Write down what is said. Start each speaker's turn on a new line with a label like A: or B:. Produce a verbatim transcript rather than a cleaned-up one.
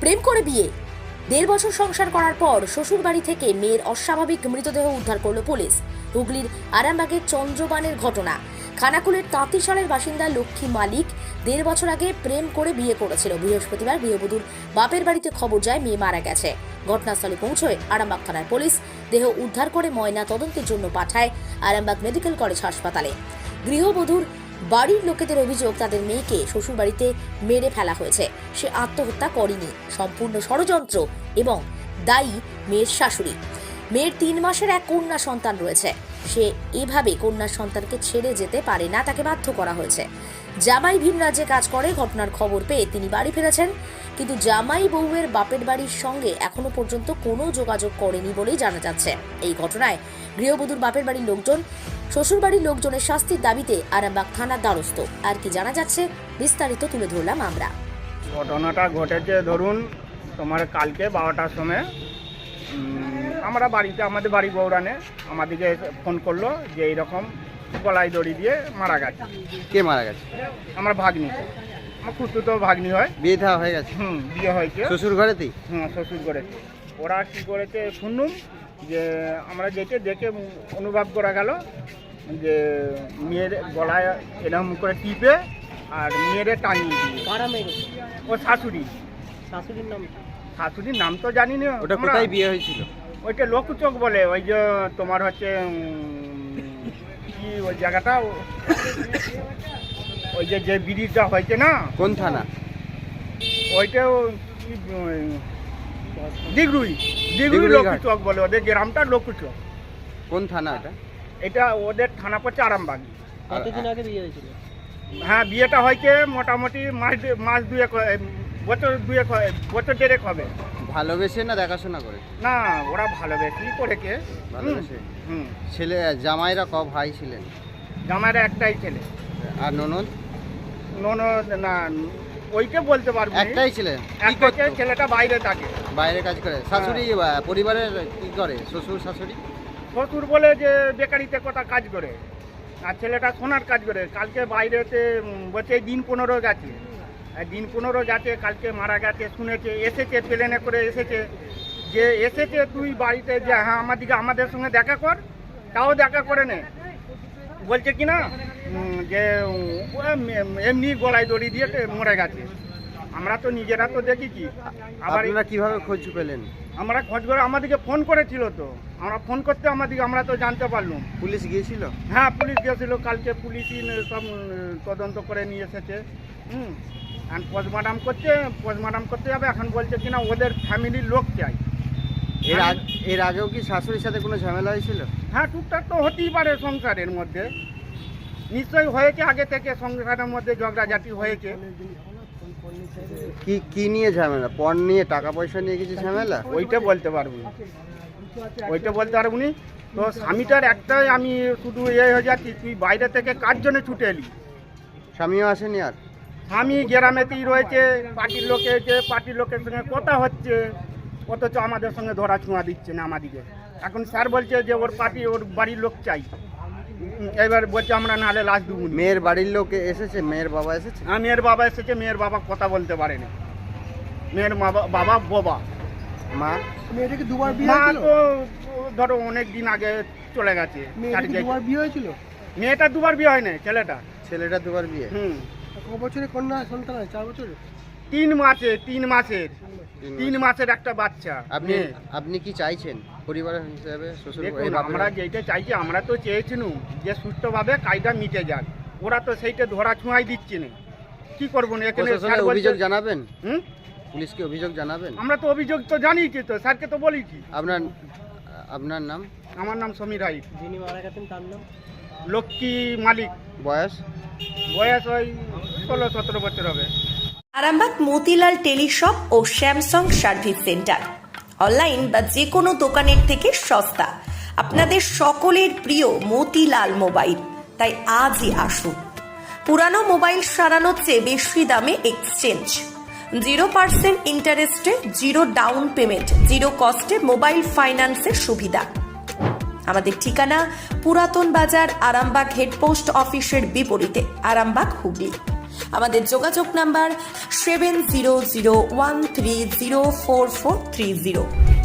A: প্রেম করে বিয়ে, দেড় বছর সংসার করার পর শ্বশুর বাড়ি থেকে মেয়ের অস্বাভাবিক মৃতদেহ উদ্ধার করল পুলিশ। হুগলির আরামবাগের চন্দ্রবানের ঘটনা। খানাকুলের তাঁতিশালের বাসিন্দা লক্ষ্মী মালিক দেড় বছর আগে প্রেম করে বিয়ে করেছিল। বৃহস্পতিবার গৃহবধূর বাপের বাড়িতে খবর যায় মেয়ে মারা গেছে। ঘটনাস্থলে পৌঁছয় আরামবাগ থানার পুলিশ। দেহ উদ্ধার করে ময়না তদন্তের জন্য পাঠায় আরামবাগ মেডিকেল কলেজ হাসপাতালে। গৃহবধূর বাড়ির লোকেদের অভিযোগ, তাদের মেয়েকে শ্বশুর বাড়িতে মেরে ফেলা হয়েছে। সে আত্মহত্যা করেনি, সম্পূর্ণ ষড়যন্ত্র এবং দায়ী মেয়ের শাশুড়ি। মেয়ের তিন মাসের এক কন্যা সন্তান রয়েছে। সে এভাবে কন্যা সন্তানকে ছেড়ে যেতে পারে না, তাকে বাধ্য করা হয়েছে। জামাই ভিন রাজ্যে কাজ করে। ঘটনার খবর পেয়ে তিনি বাড়ি ফিরেছেন, কিন্তু জামাই বউয়ের বাপের বাড়ির সঙ্গে এখনো পর্যন্ত কোনো যোগাযোগ করেনি বলেই জানা যাচ্ছে। এই ঘটনায় গৃহবধূর বাপের বাড়ির লোকজন শ্বশুর বাড়ির লোকজনের শাস্তির দাবিতে আরামবাগ থানার দ্বারস্থ। আর কি জানা যাচ্ছে বিস্তারিত তুলে ধরলাম আমরা।
B: ঘটনাটা ঘটেছে ধরুন তোমার কালকে বারোটার সময় আমরা বাড়িতে, আমাদের বাড়ি গৌরানে আমাদেরকে ফোন করলো যে এইরকম গলায় দড়ি দিয়ে মারা গেছে।
C: কে মারা গেছে?
B: আমার ভাগ্নি, আমার খুঁড়তুতো ভাগ্নি হয়।
C: বিয়ে দেওয়া হয়ে গেছে?
B: হুম, বিয়ে হয়েছে
C: শ্বশুর ঘরেতেই?
B: হুম, শ্বশুর করেছে। ওরা কী করেছে শুনুন, যে আমরা যেটা দেখে অনুভব করা গেল যে মেয়ের গলায় এরকম করে টিপে আর মেয়েরে টাঙিয়ে দিয়ে। ও শাশুড়ি।
D: শাশুড়ির নাম?
B: শাশুড়ির নাম তো জানি না।
C: ওটা কোথায় বিয়ে হয়েছিল?
B: ওইটা লোকচক বলে, ওই যে তোমার হচ্ছে উম, কি ওই জায়গাটা, ওই যে যে ব্রিজটা হয়েছে না।
C: কোন থানা?
B: ওইটাও কি, দিগরুই দিগরুই লোকচক বলে, ওদের গ্রামটা লোকচক।
C: কোন থানা এটা?
B: এটা ওদের থানা পড়ছে আরামবাগ।
D: কতদিন আগে বিয়ে হয়েছিল?
B: হ্যাঁ, বিয়েটা হয়েছে মোটামুটি মাস দু- মাস দুয়েক হয়- বছর দুয়েক হয়- বছর দেড়েক হবে।
C: ভালোবেসে না দেখাশোনা করে?
B: না, ওরা ভালোবেসেই করেছে।
C: ভালোবেসে।
B: হুম,
C: ছেলে জামাইরা ক ভাই ছিলেন?
B: জামাইরা একটাই ছেলে।
C: আর ননদ?
B: ননদ না, ওইটা বলতে পারবো না।
C: একটাই ছিলেন? কি
B: একটা
C: করতো?
B: ছেলেটা বাইরে থাকে।
C: বাইরে কাজ করে? শাশুড়ি আহ, পরিবারের কি করে? শ্বশুর শাশুড়ি?
B: শ্বশুর বলে যে বেকারিতে কোথা কাজ করে, আর ছেলেটা সোনার কাজ করে। কালকে বাইরেতে উম, বলছে দিন পনেরো গেছে, আর দিন পনেরো গেছে, কালকে মারা গেছে শুনেছে। এসেছে প্লেনে করে এসেছে, যে এসেছে তুই বাড়িতে যে হ্যাঁ আমাদিকে আমাদের সঙ্গে দেখা কর, তাও দেখা করে নে। বলছে কি না উম, যে উম, ও এম- এমনি গলায় দড়ি দিয়ে মরে গেছে। আমরা তো নিজেরা তো দেখেছি। আবার
C: আপনারা কিভাবে খোঁজ পেলেন?
B: আমরা খোঁজ করে আমাদেরকে ফোন করেছিল, তো আমরা ফোন করতে আমাদেরকে আমরা তো জানতে পারলাম।
C: পুলিশ গিয়েছিল?
B: হ্যাঁ, পুলিশ গিয়েছিল কালকে। পুলিশই সব উম, তদন্ত করে নিয়ে এসেছে। হুম, এখন পোস্টমর্টম করছে, পোস্টমর্টম করতে যাবে। এখন বলছে কিনা ওদের ফ্যামিলির লোক চাই।
C: এর আগে এর আগেও কি শাশুড়ির সাথে কোনো ঝামেলা হয়েছিল?
B: হ্যাঁ, টুকটাক তো হতেই পারে সংসারের মধ্যে, নিশ্চয়ই হয়েছে। আগে থেকে সংসারের মধ্যে ঝগড়াঝাটি হয়েছে।
C: কি কি নিয়ে ঝামেলা? পণ নিয়ে, টাকা পয়সা নিয়ে কিছু ঝামেলা?
B: ওইটা বলতে পারবো না, ওইটা বলতে পারবো না। তো স্বামীটার একটাই আমি শুধু এ হয়ে যাচ্ছি, তুই বাইরে থেকে কার জন্য ছুটে এলি?
C: স্বামীও আসেনি? আর
B: স্বামী গ্রামেতেই রয়েছে, পার্টির লোকে যে পার্টির লোকের সঙ্গে কথা হচ্ছে, অথচ আমাদের সঙ্গে ধরা ছোঁয়া দিচ্ছে না আমাদিকে। এখন স্যার বলছে যে ওর পার্টি, ওর বাড়ির লোক চাই। উম, এবার বলছে আমরা নাহলে লাশ দেবো না।
C: মেয়ের বাড়ির লোক এসেছে? মেয়ের বাবা এসেছে?
B: হ্যাঁ, মেয়ের বাবা এসেছে। মেয়ের বাবা কথা বলতে পারেনি। মেয়ের মা- বাবা বোবা।
C: মা?
D: মেয়েটাকে দুবার
B: মা তো ধরো অনেক দিন আগে চলে গেছে।
D: দুবার বিয়ে হয়েছিল?
B: মেয়েটা দুবার বিয়ে হয় না, ছেলেটা।
C: ছেলেটা দুবার বিয়ে?
B: হুম,
D: ক বছরে কন্যা সন্তান আছে? চার বছরে?
B: তিন মাসে তিন মাসের
C: তিন
B: তিন মাসের একটা বাচ্চা।
C: আপনি
B: মেয়ে।
C: আপনি কি চাইছেন পরিবারের হিসেবে? শ্বশুর
B: দেখুন,
C: এই বাপের-
B: আমরা যেটা চাইছি, আমরা তো চেয়েছিলাম যে সুষ্ঠুভাবে কাজটা মিটে যাক। ওরা তো সেইটা ধরা ছোঁয়াই দিচ্ছে না। কি করবো না এখানে?
C: প্রশাসনে
B: স্যার বলছে-
C: অভিযোগ জানাবেন?
B: হুম,
C: পুলিশকে অভিযোগ জানাবেন?
B: আমরা তো অভিযোগ তো জানিয়েছি, তো স্যারকে তো বলেছি।
C: আপনার আপনার নাম?
B: আমার নাম সমীর রায়।
D: যিনি মারা গেছেন তার নাম?
B: লক্ষ্মী মালিক।
C: বয়স?
B: বয়স ওই ষোলো সতেরো বছর হবে।
A: আরামবাগ মতিলাল টেলিশপ ও স্যামসাং সার্ভিস সেন্টার অনলাইন বা যে কোনো দোকানের থেকে সস্তা। আপনাদের সকলের প্রিয় মতিলাল মোবাইল, তাই আজই আসুন। পুরানো মোবাইল সারানোর চেয়ে বেশি দামে এক্সচেঞ্জ, জিরো পার্সেন্ট ইন্টারেস্টে জিরো ডাউন পেমেন্ট, জিরো কস্টে মোবাইল ফাইন্যান্সের সুবিধা। আমাদের ঠিকানা পুরাতন বাজার, আরামবাগ হেডপোস্ট অফিসের বিপরীতে, আরামবাগ হুগলি।
E: আমাদের যোগাযোগ number seven zero zero one three zero four four three zero.